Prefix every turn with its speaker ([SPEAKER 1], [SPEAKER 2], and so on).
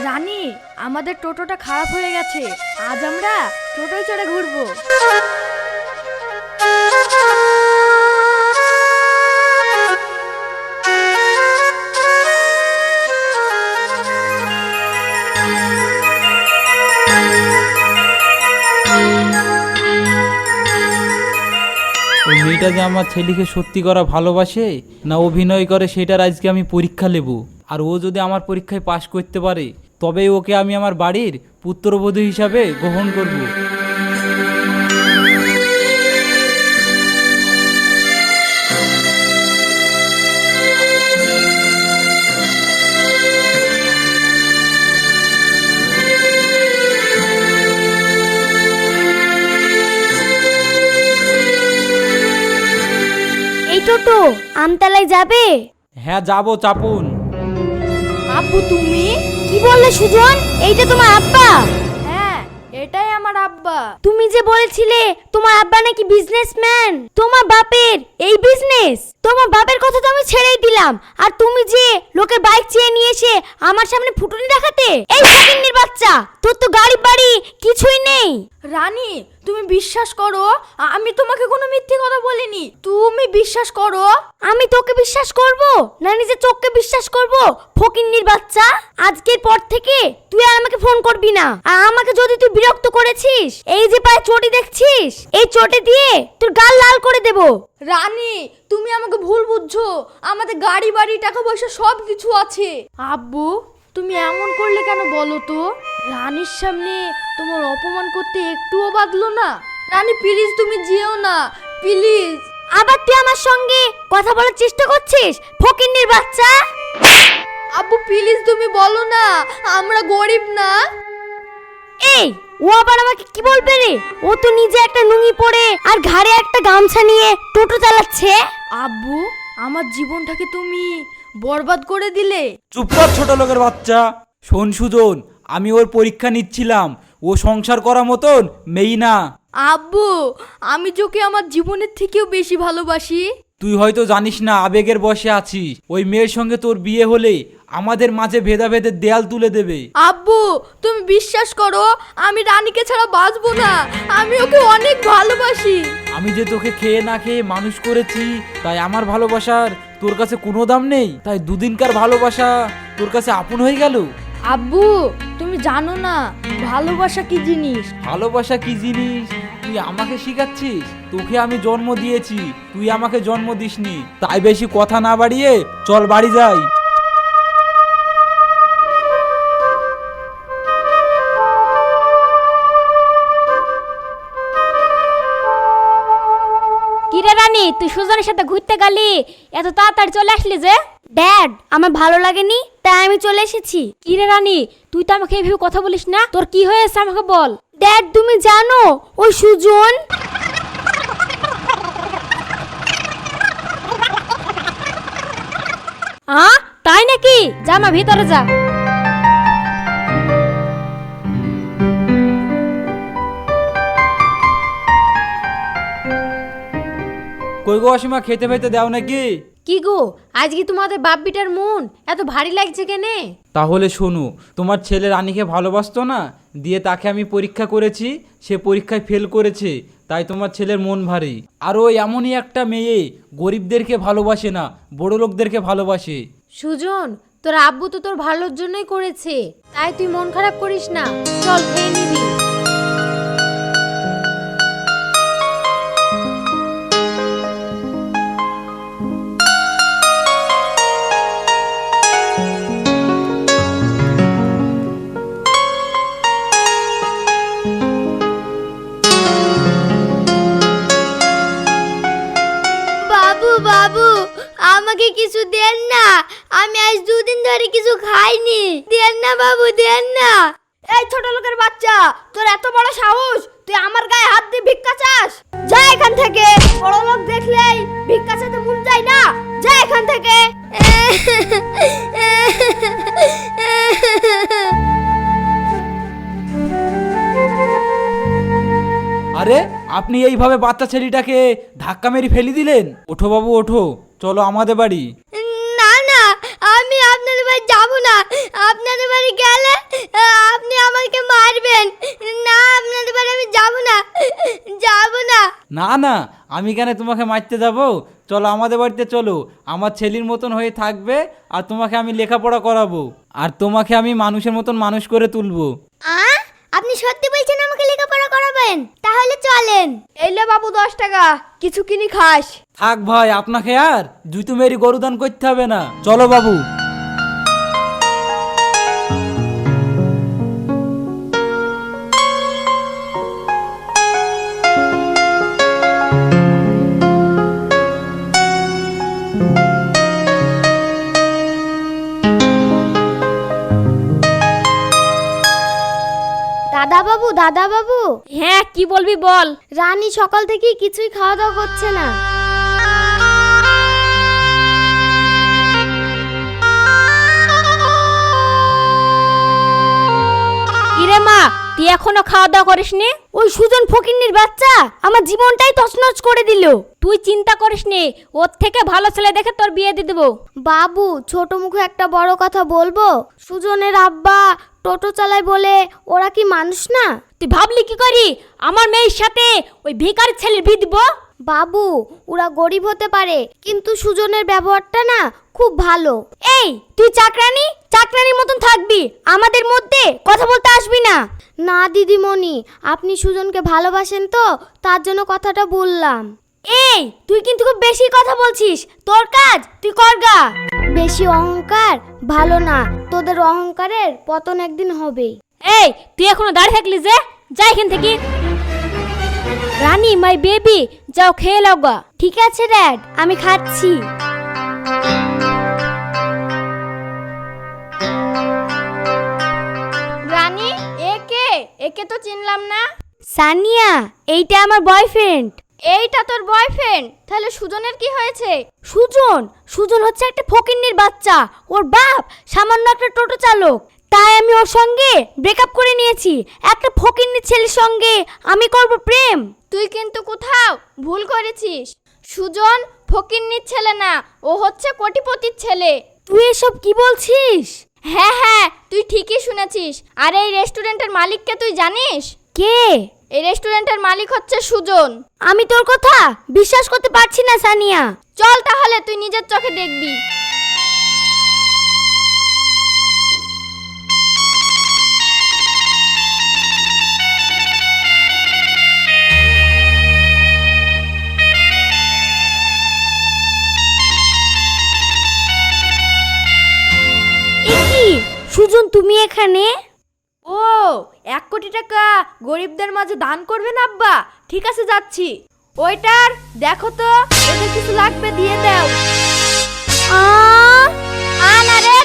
[SPEAKER 1] রানী, আমাদের টোটোটা খারাপ হয়ে গেছে, আজ আমরা টোটোয় চড়ে ঘুরবো।
[SPEAKER 2] ওই মেয়েটা যে আমার ছেলেকে সত্যি করা ভালোবাসে না অভিনয় করে সেটার আজকে আমি পরীক্ষা নেব। আর ও যদি আমার পরীক্ষায় পাশ করতে পারে তবেই ওকে আমি আমার বাড়ির পুত্রবধূ হিসাবে গ্রহণ করব।
[SPEAKER 3] এই টোটো আমতলায় যাবে?
[SPEAKER 2] হ্যাঁ যাবো, চাপুন।
[SPEAKER 1] আব্বু তুমি?
[SPEAKER 3] কি বললে সুজন? এইটা তোমার আব্বা?
[SPEAKER 1] হ্যাঁ, এটাই আমার আব্বা।
[SPEAKER 3] তুমি যে বলেছিলে তোমার আব্বা নাকি বিজনেসম্যান, তোমার বাপের এই বিজনেস? তোমার বাপের কথা তো আমি ছেড়েই দিলাম, আর তুমি যে লোকের বাইক চেয়ে নিয়ে এসে আমার সামনে ফুটুনি দেখাতে, এই ফকিন্নির বাচ্চা, তোর তো গাড়ি বাড়ি কিছুই নেই।
[SPEAKER 1] রানী, তুমি বিশ্বাস করো, আমি তোমাকে কোনো মিথ্যে কথা বলিনি, তুমি বিশ্বাস করো।
[SPEAKER 3] আমি তোকে বিশ্বাস করব না নিজের চোখকে বিশ্বাস করব? ফকিন্নির বাচ্চা, আজকের পর থেকে তুই আর আমাকে ফোন করবি না। আর আমাকে যদি তুই বিরক্ত করেছিস, এই যে পায়ে চটি দেখছিস, এই চটি দিয়ে তোর গাল লাল করে দেব।
[SPEAKER 1] রানী, তুমি আমাকে ভুল বুঝছো, আমাদের গাড়ি বাড়ি টাকা পয়সা সব কিছু আছে। আব্বু, তুমি এমন করলে কেন বলো তো? রানীর সামনে তোমার অপমান করতে একটুও বাদলো না। রানী প্লিজ, তুমি যেও না প্লিজ।
[SPEAKER 3] আবার তুই আমার সঙ্গে কথা বলার চেষ্টা করছিস, ফকিন্নির বাচ্চা?
[SPEAKER 1] আব্বু প্লিজ, তুমি বলো না, আমরা গরিব না।
[SPEAKER 3] এই, ও আবার আমাকে কি বলবে রে? ও তো নিজে একটা নুঙ্গি পরে আর ঘাড়ে একটা গামছা নিয়ে টোটো চালাচ্ছে।
[SPEAKER 1] আব্বু, আমার জীবনটাকে তুমি বরবাদ করে দিলে।
[SPEAKER 2] চুপ কর ছোট লোকের বাচ্চা। শোন সুজন, আমি ওর পরীক্ষা নিচ্ছিলাম, ও সংসার করার মতন মেয়ে না।
[SPEAKER 1] আব্বু, আমি তোকে আমার জীবনের থেকেও বেশি ভালোবাসি।
[SPEAKER 2] তুই হয়তো জানিস না, আবেগের বশে আছিস। ওই মেয়ের সঙ্গে তোর বিয়ে হলে আমাদের মাঝে ভেদাভেদের দেয়াল তুলে দেবে।
[SPEAKER 1] আব্বু, তুমি বিশ্বাস করো, আমি রানীকে ছাড়া বাঁচবো না, আমি ওকে অনেক ভালোবাসি।
[SPEAKER 2] আমি যে তোকে খেয়ে না খেয়ে মানুষ করেছি, তাই আমার ভালোবাসার তোর কাছে কোনো দাম নেই? তাই দুদিনকার ভালোবাসা তোর কাছে আপন হয়ে গেল?
[SPEAKER 1] আব্বু, তুমি জানো না ভালোবাসা কি জিনিস?
[SPEAKER 2] ভালোবাসা কি জিনিস তুই আমাকে শিখাচ্ছিস? তোকে আমি জন্ম দিয়েছি, তুই আমাকে জন্ম দিসনি। তাই বেশি কথা না বাড়িয়ে চল বাড়ি যাই।
[SPEAKER 3] কিরে রানী, তুই সুজনের সাথে ঘুরতে গেলি, এত তাড়াতাড়ি চলে আসলি যে? ড্যাড, আমার ভালো লাগেনি তাই আমি চলে এসেছি।
[SPEAKER 4] কিরে রানী, তুই তো আমাকে এইভাবে কথা বলিস না, তোর কি হয়েছে আমাকে বল।
[SPEAKER 3] ড্যাড, তুমি জানো ওই সুজন?
[SPEAKER 4] তাই নাকি? যা মা, ভিতরে যা।
[SPEAKER 2] কই গো অসীমা, খেতে ফেতে দাও নাকি?
[SPEAKER 4] কি গো, আজকে তোমাদের বাপ বিটার মন এত ভারী লাগছে কেনে?
[SPEAKER 2] তাহলে শোনো, তোমার ছেলে রানীকে ভালোবাসতো না, দিয়ে তাকে আমি পরীক্ষা করেছি, সে পরীক্ষায় ফেল করেছে, তাই তোমার ছেলের মন ভারী। আর ও এমনই একটা মেয়ে, গরিবদেরকে ভালোবাসে না, বড় লোকদেরকে ভালোবাসে।
[SPEAKER 4] সুজন, তোর আব্বু তো তোর ভালোর জন্যই করেছে, তাই তুই মন খারাপ করিস না, চল খেয়ে নিবি।
[SPEAKER 3] বাবু বাবু, আমাকে কিছু দেন না, আমি আজ দুদিন ধরে কিছু খাইনি, দেন না বাবু, দেন না।
[SPEAKER 1] এই ছোট লোকের বাচ্চা, তোর এত বড় সাহস, তুই আমার গায়ে হাত দিয়ে ভিক্ষা চাস? যা এখান থেকে, বড় লোক দেখলেই ভিক্ষা চাইতে মন যায় না, যা এখান থেকে।
[SPEAKER 2] আরে আপনি এইভাবে বাচ্চা ছেলেটাকে ধাক্কা মেরে ফেলে দিলেন? ওঠো বাবু ওঠো, চলো আমাদের বাড়ি।
[SPEAKER 3] না না, আমি আপনাদের বাড়ি যাবো না, আপনাদের বাড়ি গেলে আপনি আমাকে মারবেন। না, আপনাদের বাড়ি আমি যাব না, যাব না।
[SPEAKER 2] না না, আমি কেন তোমাকে মারতে যাবো? চলো আমাদের বাড়িতে চলো, আমার ছেলের মতন হয়ে থাকবে আর তোমাকে আমি লেখাপড়া করাবো আর তোমাকে আমি মানুষের মতন মানুষ করে তুলবো।
[SPEAKER 3] আপনি সত্যি বলছেন আমাকে লেখাপড়া করাবেন? তাহলে চলেন।
[SPEAKER 1] এই লে বাবু 10 টাকা, কিছু কিনি খাস।
[SPEAKER 2] থাক ভাই, আপনাকে আর জুতো মেরি গরুদান করতে হবে না, চলো বাবু।
[SPEAKER 3] দাদা বাবু।
[SPEAKER 4] হ্যাঁ, কি বলবি বল।
[SPEAKER 3] রানী সকাল থেকে কিছুই খাওয়া দাওয়া করছে না।
[SPEAKER 4] কিরে মা, তুই এখনো খাওয়া দাওয়া করিসনি?
[SPEAKER 3] ওই সুজন ফকিন্নির বাচ্চা আমার জীবনটাই তছনছ করে দিল।
[SPEAKER 4] তুই চিন্তা করিসনি, ওর থেকে ভালো ছেলে দেখে তোর বিয়ে দিয়ে দেবো।
[SPEAKER 3] বাবু, ছোট মুখে একটা বড় কথা বলবো? সুজনের আব্বা টোটো চালায় বলে ওরা কি মানুষ না?
[SPEAKER 4] তুই ভাবলি কি করি আমার মেয়ের সাথে ওই ভিখারি ছেলের বিয়ে দিব?
[SPEAKER 3] বাবু, ওরা গরিব হতে পারে কিন্তু সুজনের ব্যবহারটা না খুব ভালো। এই, তুই চাকরানির মতন থাকবি, আমাদের মধ্যে কথা বলতে আসবি না। না দিদিমণি, আপনি সুজনকে ভালোবাসেন তো, তার জন্য কথাটা বললাম। এই, তুই কিন্তু খুব বেশি কথা বলছিস, তোর কাজ তুই করগা। বেশি অহংকার ভালো না, তোদের অহংকারের পতন একদিন হবে।
[SPEAKER 4] এই, তুই এখনো দাঁড়িয়ে থাকলি যে? যা এখান থেকে। রানী, মাই বেবি, যাও খেয়ে নাও গা।
[SPEAKER 3] ঠিক আছে ড্যাড, আমি খাচ্ছি।
[SPEAKER 1] রানী, একে তো চিনলাম না।
[SPEAKER 3] সানিয়া, এইটা আমার বয়ফ্রেন্ড।
[SPEAKER 1] এইটা তোর বয়ফ্রেন্ড? তাহলে সুজনের কি হয়েছে?
[SPEAKER 3] সুজন হচ্ছে একটা ফকিন্নির বাচ্চা। ওর বাপ সামান্য একটা টোটো চালক, তাই আমি ওর সঙ্গে ব্রেকআপ করে নিয়েছি। একটা ফকিন্নির ছেলের সঙ্গে আমি করব প্রেম?
[SPEAKER 1] তুই কিন্তু কোথাও ভুল করেছিস। সুজন ফকিন্নির ছেলে না, ও হচ্ছে কোটিপতির ছেলে।
[SPEAKER 3] তুই এসব কি বলছিস?
[SPEAKER 1] হ্যাঁ হ্যাঁ, তুই ঠিকই শুনেছিস। আর এই রেস্টুরেন্টের মালিককে তুই জানিস?
[SPEAKER 3] কে?
[SPEAKER 1] এই রেস্টুরেন্টের মালিক হচ্ছে সুজন।
[SPEAKER 3] আমি তোর কথা বিশ্বাস করতে পারছি না সানিয়া।
[SPEAKER 1] চল তাহলে, তুই নিজের চোখে দেখবি।
[SPEAKER 3] সুজন, তুমি এখানে?
[SPEAKER 1] ও, 1 কোটি টাকা গরিবদের মাঝে দান করবেন আব্বা? ঠিক আছে, যাচ্ছি। ওইটার দেখো তো, এদের কিছু লাগবে দিয়ে দাও।
[SPEAKER 3] আনা রে,